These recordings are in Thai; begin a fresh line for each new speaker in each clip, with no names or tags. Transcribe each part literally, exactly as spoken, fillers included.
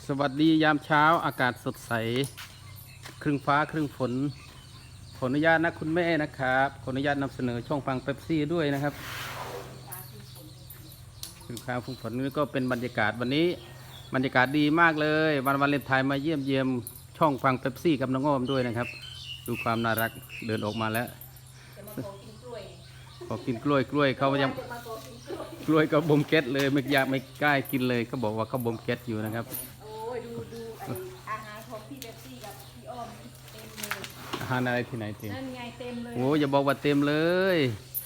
สวัสดียามเช้าอากาศสดใสครึ่งฟ้าครึ่งฝนขออนุญาตนะคุณแม่นะครับขออนุญาตนำเสนอช่องฟังเป๊ปซี่ด้วยนะครับครึ่งฟ้าครึ่งฝนนี่ก็เป็นบรรยากาศวันนี้บรรยากาศดีมากเลยวันวาเลนไทน์มาเยี่ยมเยียมช่องฟังเป๊ปซี่กับน้องอ้อมด้วยนะครับดูความน่ารักเดินออกมาแล้วขอกินกล้วยกล้วยเขายังกล้วยก็บ่มเก็ตเลยไม่อยากไม่กล้ากินเลยเขาบอกว่าเขาบ่มเก็ตอยู่นะครับ
โอ้ยดูดูอาหารของพี่เบปซี่กับพี่อ้อมเต็มเลย
อาหารอะไรที่ไหนเต็ม
นั่นไงเต็มเลย
โอ้อย่าบอกว่าเต็มเลย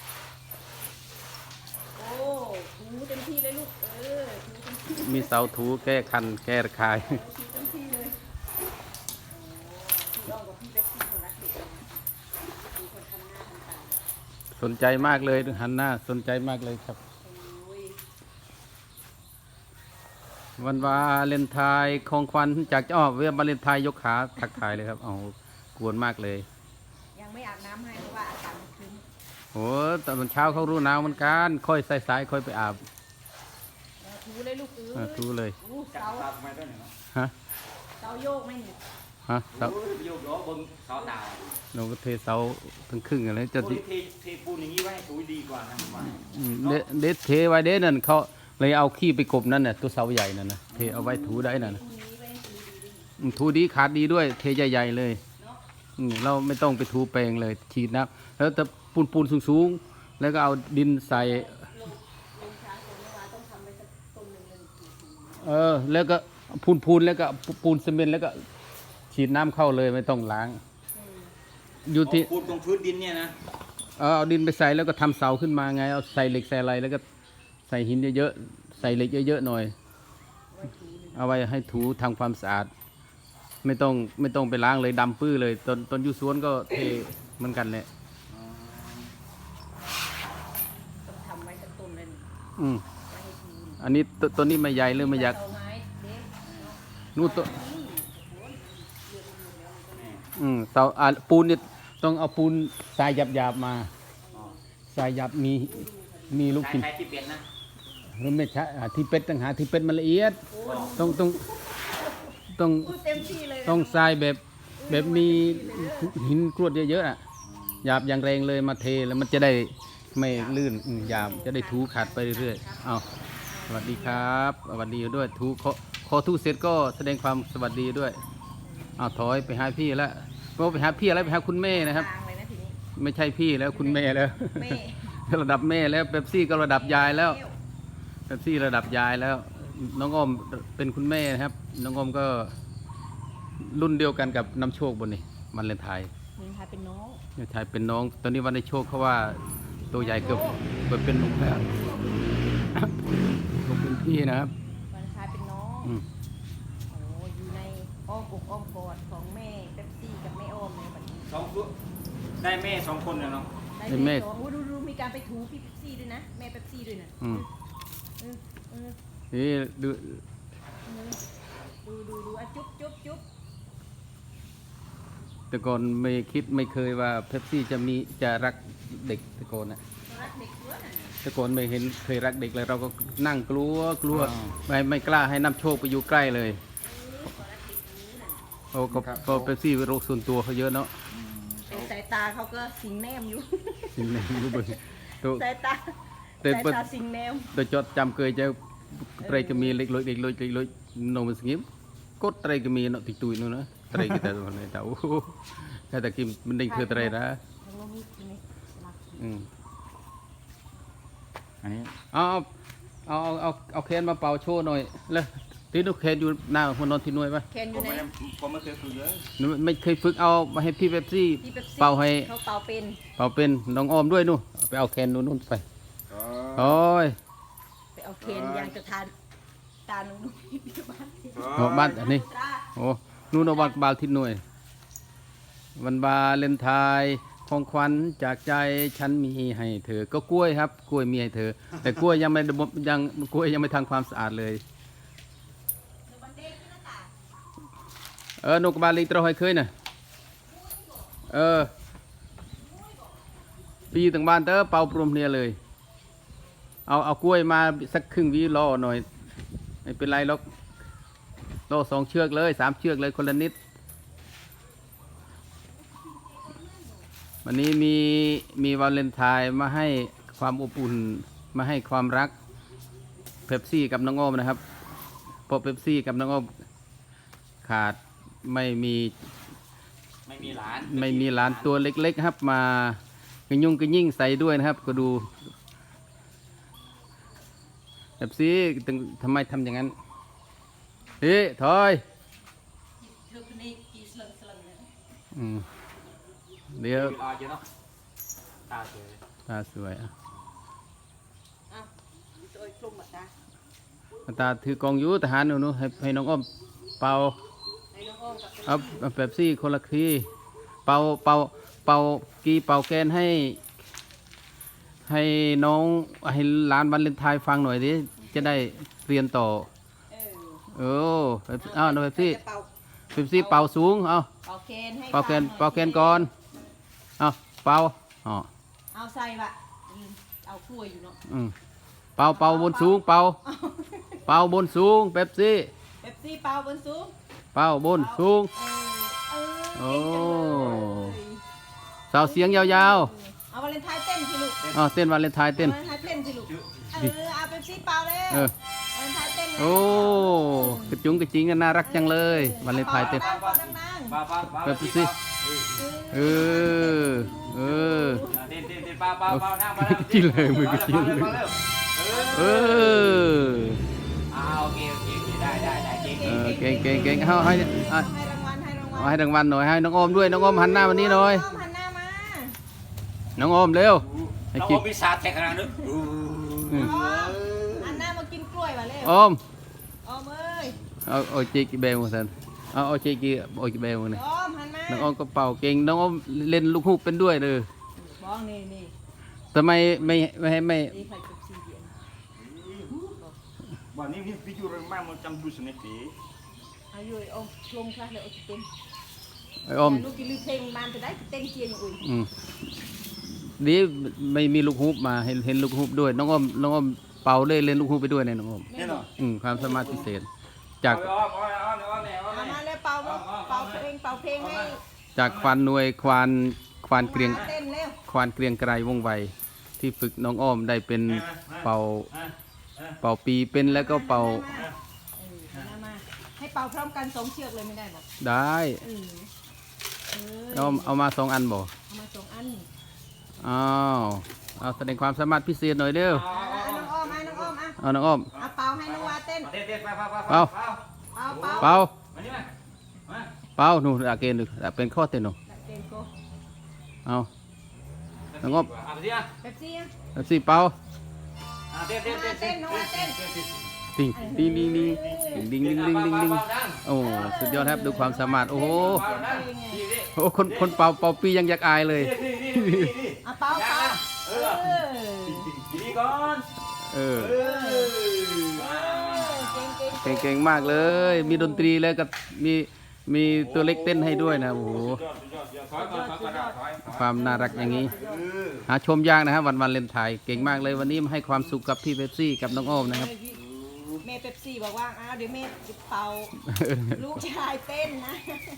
โอ้ถูเต็มที่เลยลูกเออถูเต็มที่
มีเสาถูแก้คันแก้ระคาย
ถูเต็มที่เลยพี่อ้อมกับพี่เบปซี่คนรักเด็กดูคนทำหน้าทำตา
สนใจมากเลยหันหน้าสนใจมากเลยครับวันวาเลนไทน์ของขวัญจากอ้อเวียบาเลนไทน์ยกขาทักทายเลยครับเอากวนมากเลย
ยังไม่อาบน้ำให้เพราะว่าอากาศมันชื้น
โอ้ตอนเช้าเขารู้หนาวเหมือนกันค่อยสายๆค่อยไปอาบ
ถูเลยลูกเออ
ถูเลย
เสา
ฮะ
เสาโยกไม่หนิ
ฮะเสา
โยกล้อบนเสาดาว
เราก็เทเสาทั้งครึ่งอะไรจะ
เทเทปูนอย่างนี้ไว้ให้สวยดีกว่านะผมว่า
เด็ดเทไว้เด็ดนั่นเขาเลยเอาขี้ไปกบนั่นน่ะตัวเสาใหญ่นั่นนะเทเอาไว้ถูได้นั่นถูดีขาดดีด้วยเทใหญ่ๆเลยเราไม่ต้องไปถูแปลงเลยฉีดน้ำแล้วแต่ปูนปูนสูงๆแล้วก็เอาดินใส่เออแล้วก็ปูนปูนแล้วก็ปูนซีเมนต์แล้วก็ฉีดน้ำเข้าเลยไม่ต้องล้างอยู่ที่
ปูนตรงพื้นดินเนี่ยนะ
เออเอาดินไปใส่แล้วก็ทำเสาขึ้นมาไงเอาใส่เหล็กใส่อะไรแล้วก็ใส่หินเยอะๆใส่เหล็กเยอะๆหน่อยเอาไว้ให้ถูทำความสะอาดไม่ต้องไม่ต้องไปล้างเลยดำปื้อเลยตอนตอนอยู่สวนก็เทเหมือนกันแหละ
ทำไว้สักต้นเลย
อืมอันนี้ต้นนี้ไม่ใหญ่เลยไม่อยากนู่นต้นอืมเสาปูนเนี่ยต้องเอาปูนทรายหยาบๆมาทรายหยาบมีมีลูกชิ้น
ที่เป็ดนะ
หรือไม่ใช่ที่เป็ดต่างหากที่เป็ดมันละเอียดต้องต้องต้องต้องทรายแบบแบบมีหินกรวดเยอะๆอ่ะหยาบอย่างแรงเลยมาเทแล้วมันจะได้ไม่ลื่นหยาบจะได้ถูขัดไปเรื่อยๆเอาสวัสดีครับสวัสดีด้วยถูขอขอถูเสร็จก็แสดงความสวัสดีด้วยเอาถอยไปหาพี่แล้วก็ไปหาพี่อะไรไปหาคุณแม่นะครับไม่ใช่พี่แล้วคุณแม่แล้วระดับแม่แล้วเป๊ปซี่ก็ระดับยายแล้วเป๊ปซี่ระดับยายแล้วน้องอ้อมเป็นคุณแม่นะครับน้องอ้อมก็รุ่นเดียวกันกับน้ำโชคบนนี่วันเลนไทน์
วันไทน์เป็นน้อง
วันไทน์เป็นน้องตอนนี้วันในโชคเขาว่าตัวใหญ่เกือบเกือบเป็นหนุ่มแล้วผมเป็นพี่นะครับ
วันไทน์เป็นน้องโอ้อยู่ในอ้อมอกอ้อมกอดของแม่เป๊ปซี่กับแม่อ้อมในวันนี้
สองคนได้แม่สองคนเลยเนาะ
ได้แม่สองดูดูมีการไปถูพี่เป๊ปซี่ด้วยนะแม่เป๊ปซี่ด้วยนะ
นี่ดู
ดูดูดูอ่ะจุ๊บจุ๊บจุ๊บ
แต่ก่อนไม่คิดไม่เคยว่าเป๊ปซี่จะมีจะรักเด็กแต่ก่อนนะ
รักเด็กด้วย
แต่ก่อนไม่เห็นเคยรักเด็กเลยเราก็นั่งกลัวกลัวไม่ไม่กล้าให้น้ำโชคไปอยู่ใกล้เลยโอ้ก็ก็เป๊ปซี่โรคส่วนตัวเขาเยอะเนาะ
สายตาเขาก็สิงแนมอยู่
สิงแนมอยู่บน
สายตาสายตาสิงแนม
โดยจดจำเคยจะไตรก็มีเล็กลอยเล็กลอยเล็กลอยโนมันสงิมก็ไตรก็มีเนาะติดตุยนู่นนะไตรก็แต่ตอนนี้แต่โอ้แค่แต่กิมมันได้คือไตรนะอืม
อันนี้
เอาเอาเอาเอาเอาแคนมาเป่าโชว์หน่อยเลยที่นุกแคนอยู่หน้าคนนอนที่นุ่ยปะ
แคนอยู่ไหน
ผมไม่เคยฝึกเลย
ไม่เคยฝึกเอามาให้พี่เป๊ปซี่เป่าให้
เขาเป่าเป็น
เป่าเป็นน้องออมด้วยนู่นไปเอาแคนนู่นนู่นไปโอ้ย
ไปเอาเคนยางจะทานตาหนุ่ม
บ้านบ้านอันนี้โอ้นู่นเอาบ้านบาลทิศหน่วยวันวาเลนไทน์ของขวัญจากใจฉันมีให้เธอก็กล้วยครับกล้วยมีให้เธอแต่กล้วยยังไม่ยังกล้วยยังไม่ทำความสะอาดเลยเออนกบาลีตรอยเคยน่ะเออปีต่างบ้านเตอเป่าปรุมเนี่ยเลยเอาเอากล้วยมาสักครึ่งวิรอหน่อยไม่เป็นไรหรอกโตสองเชือกเลยสามเชือกเลยคนละนิดวันนี้มีมีวาเลนไทน์มาให้ความอบอุ่นมาให้ความรักเป๊ปซี่กับน้องโอมนะครับเพราะเป๊ปซี่กับน้องโอมขาดไม่มี
ไม่มีหลาน
ไม่มีหลานตัวเล็กๆครับมากระยุ่งกระยิ่งใส่ด้วยนะครับก็ดูเป๊ปซี่ตึงทำไมทำอย่างนั้นเฮ้ยถอยอืมเดี๋ยว
ตาเยอะเนาะตาสวย
ตาสวยอ่ะ
อ้าวตัวกลุ่มหมดนะ
ตาถือกองอยูทหารหนูๆให้ให้น้องอ้อมเป่า
ไอ้น้องอ้อมกับ
เอาเอาเป๊ปซี่คนละทีเป่าเป่าเป่ากีเป่าแกนให้ ให้น้องให้หลานวันเลนไทน์ฟังหน่อยดิจะได้เรียนต่อ
เออ
เออเป๊ปซี่อ้าวเป๊ปซี่
จะเป่า
เป๊ปซี่เป่าสูงเอา
เป่าแคนให้
เป่าแกน
ฟังหอย
เป่าแกนก่อนเอาเป่าอ๋อ
เอาใส่บะอืมเอากล้วยอยู่เนาะ
อืมเป่าเป่าบนสูงเป่าเป่าบนสูงเป๊ปซี่
เป๊ปซี่เป่าบนสูง
เป่าบนสูง
เออเออ
โอ้
เก่งจังเลย
สาวเสียงยาว
เอาวาเลนไทน์เต้นสิลูก
ๆอ๋อเต้นวันเลนไทน์เต้น
วาเลนไทน์เต้นสิลูกเออเอาเป๊ปซี่เป่าเลย
เออ
วาเลนไทน์เต้นเลย
โอ้กระจุงกระจิงกันน่ารักจังเลยวันเลนไทน์เต้น
ดังๆดังๆ
ป้าป้าป้า
เป๊ปซี่ เออเออ
เต้นเต้นเต้นป้าป้าป้านั่งมานั่ง
จิ้มเลยมือกระจิ้มเลย
มาร็ว
เออ
อ่าโอเคโอเคโอเคได้ได้ได้เก่ง
เออเก่งเก่งเก่งเอาให้ให้
ให้รางวัลให้รางวัล
เอาให้รางวัลหน่อยให้น้องโอมด้วยน้องโอมหันหน้ามานี้หน่อย
น้องหันหน้ามา
น้องโอมเร็วให้
น้อง
กิ
โอน มมีศาสตร์แทงขนาดนึง
อืม
น้องหันหน้ามากินกล้วยว่ะเร็ว
โอม
ออมเอ้ย
เอาเอาจีกีเบลมาสันเอาเอาจีกีเอาจีเบลมาเนี่ย
ออมหันมา
น้องโอมก็เป่าเก่งน้องโอมเล่นลูกฮูกเป็นด้วยเลย
บ้องนี่นี่
ทำไมไม่ไม่ให้ไม่
นี่ใครกับซีเดียน
วันนี้พี่พี่อยู่เรื่องมากมันจำดูสนิทดี
อายุอมลงคลาสเลยโอ้เต้น
ไอ้โอม
ลูกกินลือเพลงบ้านจะได้เต้นเชียร์อย่างอื่น
อืมดีไม่มีลูกฮูกมาเห็นเห็นลูกฮูกด้วยน้องโอมน้องโอมเป่าเลยเล่นลูกฮูกไปด้วยเนี่ยน้องโอม
แน่นอน
อืมความสามารถพิเศษ จาก
อ้อมอ้อมอ้อมอ้อมอ้อม
เอามาเลยเป่าเป่าเพลงเป่าเพลงให้
จากควานหน่วยควานควานเกรียง
เต้นเร็ว
ควานเกรียงไกรวงไวที่ฝึกน้องอ้อมได้เป็นเป่าเป่าปีเป็นแล้วก็เป่า
เออหันหน้ามาให้เป่าพร้อมกันสองเชือกเลยไม่ได้หรอ
ได้
เออเออ
เอาเอามาสองอันบ่
เอามาสองอัน
อ้าวเอาแสดงความสามารถพิเศษหน่อยเร็ว
อ่ะน้องอ้อมอ่ะน้องอ้อมอ่ะ
เอาน้องอ้อม
เอาเป่าให้น้องวาเต้น
เต้นเต้นไปไปไป
เป่าเป่า
เป่า
มานี่มามา
เป่าหนูอาเกนดูเป็นข้อเต้นหนู
เต้นโก
เอาน้องอ้อม
เอาไปสิอ่ะ
เป๊ปซี่อ่ะ
เอาสิเป่า
อ่าเต้นเต้นเต้นเต้น
น้องวาเต้น
ติงดิงดิงดิงดิงดิงดิงดิงดิงโอ้สุดยอดครับดูความสามารถโอ้โหโอ้คนคนเป่าเป่าปียังอยากอายเลย
เอาเป่าเป่า
เอ
เอ
อ
อ
ดีก่อน
เออ
เออ
เก่งเก่ง
เก่งๆมากเลย มีดนตรีแล้วก็มีมีตัวเล็กเต้นให้ด้วยนะโอ้โห
ถอยก่อนถอยก่อนถอยถอย
ความน่ารักอย่างนี้ หาชมยากนะครับวันวันเลนไทน์เก่งมากเลยวันนี้มาให้ความสุขกับพี่เป๊ปซี่กับน้องโอมนะครับ
แม่เป๊ปซี่บอกว่าอ้าวเดี๋ยวแม่จะเป่าลูกชายเต้นนะ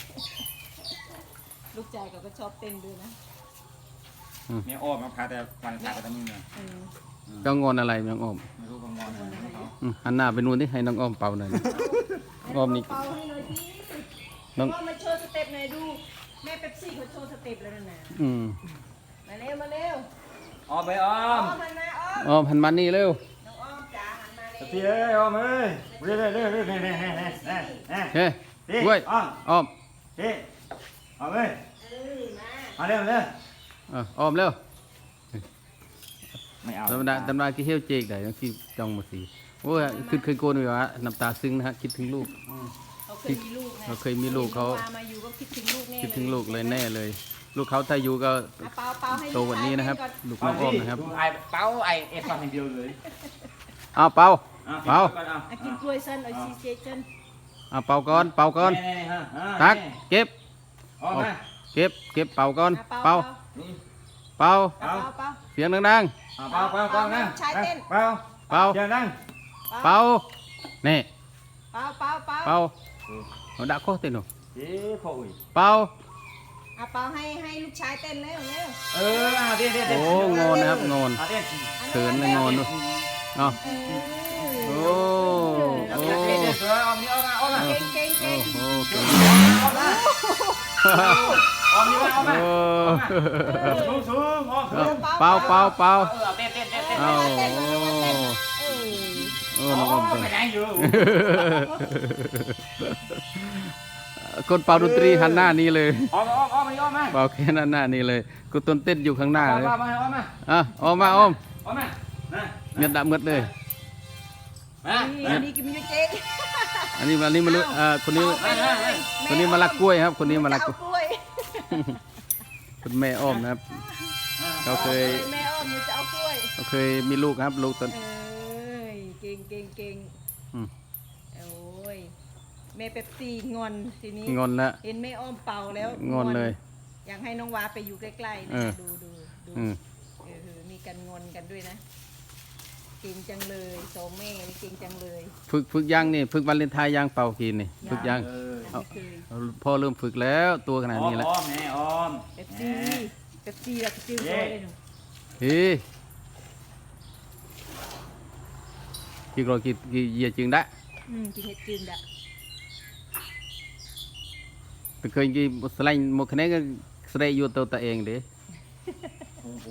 ลูกชายเขาก็ชอบเต้นด้วยนะ
แม่อ้อมมาพาแต่วันขาดแต่มึงเนี่ย
เออ
ก็งอนอะไรน้องโอม
ไม่รู้กงอนอะไรเขา
อืมหันหน้าไปนู่นที่ให้น้องโอมเป่าหน่อยนะ อ้อมนี่
เป่าให้หน่อยสิ
น้อง
พ่อมาโชว์สเต็ปหน่อยดูแม่เป๊ปซี่เขาโชว์สเต็ปแล้วนะ
อืม
มาเร็วมาเร็ว
อ้อมไปอ้อ
อ้อ
ม
มหันมาอ้อม
โอมหันมานี่เร็ว
น้องอ้อมจ๋าหันมาเร็ว
พี่เอ้ยอ้อมเอ้ยเรื่อยเรื่อยเรื่อยเรื่อยเรื่อยเรื่อยเรื่อยเรื่อย
เฮ้ยด้วย
อ้อม
อ้อม
พี่อ้อมเอ้ย
เออมา
มาเร็วเร็ว
เอออ้อมเร็ว
ไม่เอา
ธรรมดาธรรมดากี่เฮี้ยวเจกได้ต้องคิดจ้องมาสิโอ้ยคือเคยโกนอยู่วะน้ำตาซึ้งนะฮะคิดถึงลูก
เขาเคยมีลูกไง
เขาเคยมีลูกเขา
พมาอยู่ก็คิดถึงลูกแน่
คิดถึงลูกเลยแน่เลย ลูกเขาถ้าอยู่ก็
อ่ะเป่าเป่าให้
โตกว่านี้นะครับ ลูกน้องอ้อมนะครับ
ไอ้เป้าไอ้เอฟฟังอย่างเดียวเลย
เอาเป่า
อ่ะ
เป่า
อ่ะกินกล้วยเส้นเอาซีเจเส้น
เอาเป่าก่อนเป่าก่อน
นี่นี่ฮะอ่ะ
ตักเก็บ
ออกมา
เก็บเก็บเป่าก่อน
อ่ะ
เป่า
นี่
เป่า
เป่าเป่า
เสียงดัง
อ่ะเป้าเป้าเป้านั่ง
ชายเต้น
เป้า
ๆเป่า
เดี๋ยวนั่ง
เป่านี่
เป่าเป่าเป่า
เป่าเอาดะโคเต้นหนู
เอ๊ะพ่ออุ้ย
เป่า
เอาเปาให้ให้ลูกชายเต้นเร็วเร็ว
เออเอาเต้นเต้น
โอ้งอนนะครับงอน
เอาเต้น
เขินเลยงอนดูเอา
เอ
โอ้
อ
เอา
โอ้
เต้นเต้นเต้นเออเอามีเอามาเอามา
เก่งเก่ง
โอ้
เก่ง
โหเก่ง
เอามาเอามีเอามา
โอ้
สูงสูงเอาสูง
เป่าเป่าเป่า
เออเอาเต้นเต้นเต้นเต้น
เอา
เต้น
โอ้
เต้นเออ
โอ้น้องอม
ไป
เต้น
ไหนอยู่
คนเป่าดนตรีหันหน้านี้เลย
เอามาเอามาเอามา
เป่าแค่นั้นหน้านี้เลยกูต้นเต้นอยู่ข้างหน้า
เอา
เลย
มาเอามา
อ่ะออกมาอ้อม
เอามานะ
เงียบดะเมืดเลย
มา
นี่นี่กินมิวเจ๊ง
อันนี้อันนี้มาลุอ่าคนนี้ คนนี้มาลักกล้วยครับ คนนี้มาลักกล้วย
ล้วย
คุณแม่อ้อมนะครับเขาเคย
แม่อ้อมจะเอากล้วย
เขาเคยมีลูกครับ ลูกตอน
เอ้ยเก่งเก่งเก่ง
อืม
โอ้ยแม่เป๊ปซี่งอนทีนี้
งอนแล้ว
เห็นแม่อ้อมเป่าแล้ว
งอนเลย
อยากให้น้องวาไปอยู่ใกล้ๆ
เอ
นะ
อ
ดูดูดู
อืม
เออมีกันงอนกันด้วยนะเก่งจังเลยสองแม่นี่เก่งจังเลย
ฝึกฝึกย่างนี่ฝึกวันเลนไทายย่างเป่ากินนี่ฝึกย่าง
เออ
ไม่เคย
พ่อเริ่มฝึกแล้วตัวขนาด
อ้อม
นี้แล้ว
อ้อมแม่อ้อม
เป๊ปซี่เป๊ปซี่แบบจิ้วโซ่เลยหนู
เฮ้ยกี่กรอกี่กี่เหยียดจึงได้
อืมกินเห็ดจืนดะ
แต่เคยกี่สไลด์หมดคะแนนก็สไลด์อยู่ตัวตัวเองเด้
โอ้โห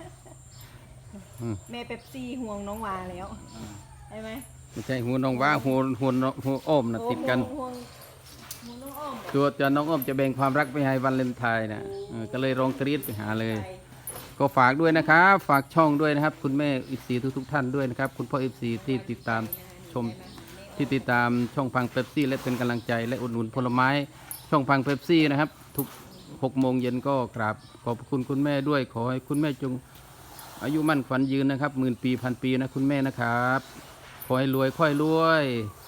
แม่เป๊ปซี่ห่วงน้องวาแล้วใช่ไหม
ไม่ใช่หัวน้องว่าหัวหัวน้องหัวอ้อมนะติดกัน
ห่วงห่วงน้องอ้อม
ตัวจะน้องอ้อมจะแบ่งความรักไปให้วันเลนไทายนะเออก็เลยร้องกรี๊ดไปหาเลย
ไป
ก็ฝากด้วยนะครับฝากช่องด้วยนะครับ คุณแม่อิซีทุกทุกๆท่านด้วยนะครับ คุณพ่ออิซีที่ติดตามชมที่ติดตามช่องพังเป๊ปซี่และเป็นกำลังใจและอุดหนุนผลไม้ช่องพังเป๊ปซี่นะครับ ทุกหกโมงเย็นก็กราบขอบคุณคุณแม่ด้วย ขอให้คุณแม่จงอายุมั่นขวัญยืนนะครับหมื่นปีพันปีนะคุณแม่นะครับขอให้รวยค่อยรวย